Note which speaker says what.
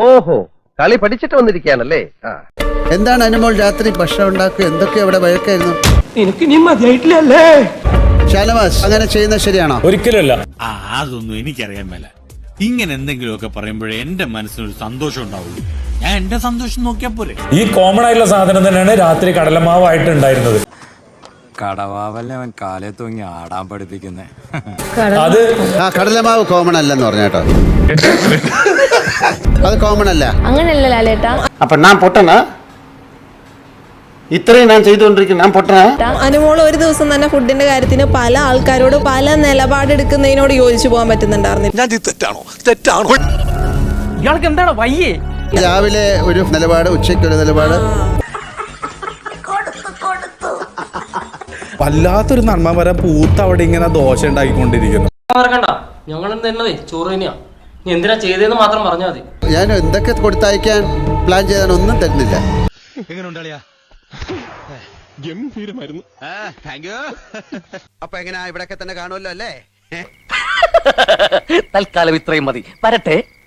Speaker 1: ഓഹോ, കളി പഠിച്ചിട്ട് വന്നിരിക്കുകയാണല്ലേ.
Speaker 2: എന്താണ് അനുമോൾ രാത്രി ഭക്ഷണം ഉണ്ടാക്കുക? എന്തൊക്കെ അവിടെ വഴക്കായിരുന്നു?
Speaker 3: എനിക്ക് നീ മതിയായിട്ടില്ലല്ലേ
Speaker 2: ഷാനവാസ്, അങ്ങനെ ചെയ്യുന്നത് ശരിയാണോ?
Speaker 4: ഒരിക്കലുമല്ല.
Speaker 5: അതൊന്നും എനിക്കറിയാൻ മേല. ഇങ്ങനെ എന്തെങ്കിലുമൊക്കെ പറയുമ്പോഴേ എന്റെ മനസ്സിനൊരു സന്തോഷം ഉണ്ടാവുള്ളൂ. ഞാൻ എന്റെ സന്തോഷം നോക്കിയാ പോരെ.
Speaker 4: ഈ കോമൺ ആയിട്ടുള്ള സാധനം തന്നെയാണ് രാത്രി കടലമാവായിട്ട് ഉണ്ടായിരുന്നത്.
Speaker 6: കടവാവല്ലേ അവൻ കാലേ തൂങ്ങി ആടാൻ പഠിപ്പിക്കുന്നേ.
Speaker 4: അത്
Speaker 2: കടലമാവ് കോമൺ അല്ലെന്ന് പറഞ്ഞേട്ടോ. അത് കോമൺ അല്ല.
Speaker 7: അങ്ങനെയല്ല ലാലേട്ടാ.
Speaker 1: അപ്പൊ ഞാൻ പൊട്ടനാ? ഇത്രയും ഞാൻ ചെയ്തുകൊണ്ടിരിക്കുന്നു, ഞാൻ പൊട്ടനാ?
Speaker 8: അനുമോൾ ഒരു ദിവസം തന്നെ ഫുഡിന്റെ കാര്യത്തിന് പല ആൾക്കാരോട് പല നിലപാടെടുക്കുന്നതിനോട് യോജിച്ചു പോകാൻ പറ്റുന്നുണ്ടായിരുന്നില്ല.
Speaker 3: ഇയാൾക്ക് എന്താണ് വയ്യേ?
Speaker 2: രാവിലെ ഒരു നിലപാട്, ഉച്ചയ്ക്ക് ഒരു നിലപാട്.
Speaker 9: വല്ലാത്തൊരു നന്മമരം പൂത്ത് അവിടെ ഇങ്ങനെ ദോശ ഉണ്ടാക്കിക്കൊണ്ടിരിക്കുന്നു.
Speaker 3: ഞങ്ങൾ തന്നതേ ചോറ് തന്നെയാ. നീ എന്തിനാ ചെയ്തതെന്ന് മാത്രം പറഞ്ഞാൽ മതി.
Speaker 2: ഞാൻ എന്തൊക്കെ കൊടുത്തയക്കാൻ പ്ലാൻ ചെയ്താൽ ഒന്നും തരുന്നില്ല.
Speaker 1: അപ്പൊ എങ്ങനെയാ, ഇവിടൊക്കെ തന്നെ കാണുമല്ലോ അല്ലേ?
Speaker 3: തൽക്കാലം ഇത്രയും മതി. വരട്ടെ.